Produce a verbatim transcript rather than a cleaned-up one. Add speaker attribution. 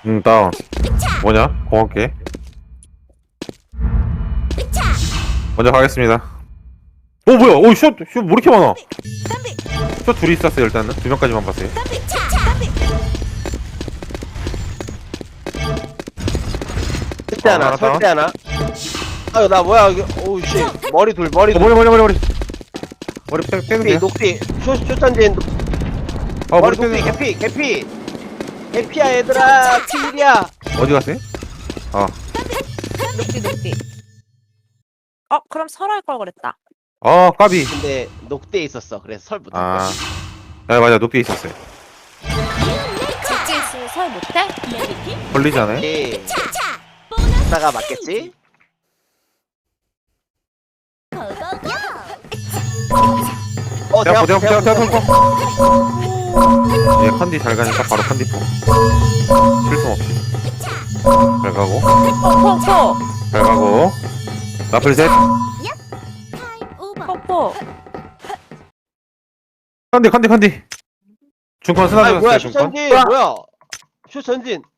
Speaker 1: 응, 다운. 뭐냐? 고맙게. 먼저 가겠습니다. 오, 뭐야? 오, 슛! 슛, 뭐 이렇게 많아? 슛 둘이 있었어요, 일단은. 두 명까지만 봤어요.
Speaker 2: 설대
Speaker 1: 아,
Speaker 2: 하나,
Speaker 1: 하나
Speaker 2: 설대 하나. 아유, 나 뭐야, 이게. 오우, 씨. 머리 둘, 머리
Speaker 1: 어,
Speaker 2: 둘.
Speaker 1: 머리, 머리, 머리, 머리. 머리 빼, 빼면 돼요.
Speaker 2: 녹디, 녹디. 쇼, 쇼천진.
Speaker 1: 아,
Speaker 2: 머리
Speaker 1: 머리
Speaker 2: 녹디,
Speaker 1: 빼면
Speaker 2: 개피, 개피. 개피야, 얘들아. 필이야.
Speaker 1: 어디 갔어요? 아,
Speaker 3: 녹디 녹디. 어 그럼 설할 걸 그랬다.
Speaker 1: 아, 까비.
Speaker 2: 근데 녹대에 있었어. 그래서 설 못한
Speaker 1: 아,
Speaker 2: 거야.
Speaker 1: 아, 맞아, 높게 있었어요.
Speaker 3: 직진 있으면 설 못해?
Speaker 1: 걸리지 않아요?
Speaker 2: 예. 다가 맞겠지? 어,
Speaker 1: 대학포,
Speaker 2: 대학,
Speaker 1: 대학포,
Speaker 2: 대학,
Speaker 1: 대학포, 대학포. 얘 컨디 잘 가니까 바로 컨디 포. 실수 없이. 잘 가고,
Speaker 3: 포포포
Speaker 1: 잘 가고. 나플 셋.
Speaker 3: 포포.
Speaker 1: 컨디, 컨디, 컨디. 중컨 스나
Speaker 2: 아니, 뭐야,
Speaker 1: 줬어요, 중컨.
Speaker 2: 쇼천진. 뭐야. 쇼천진.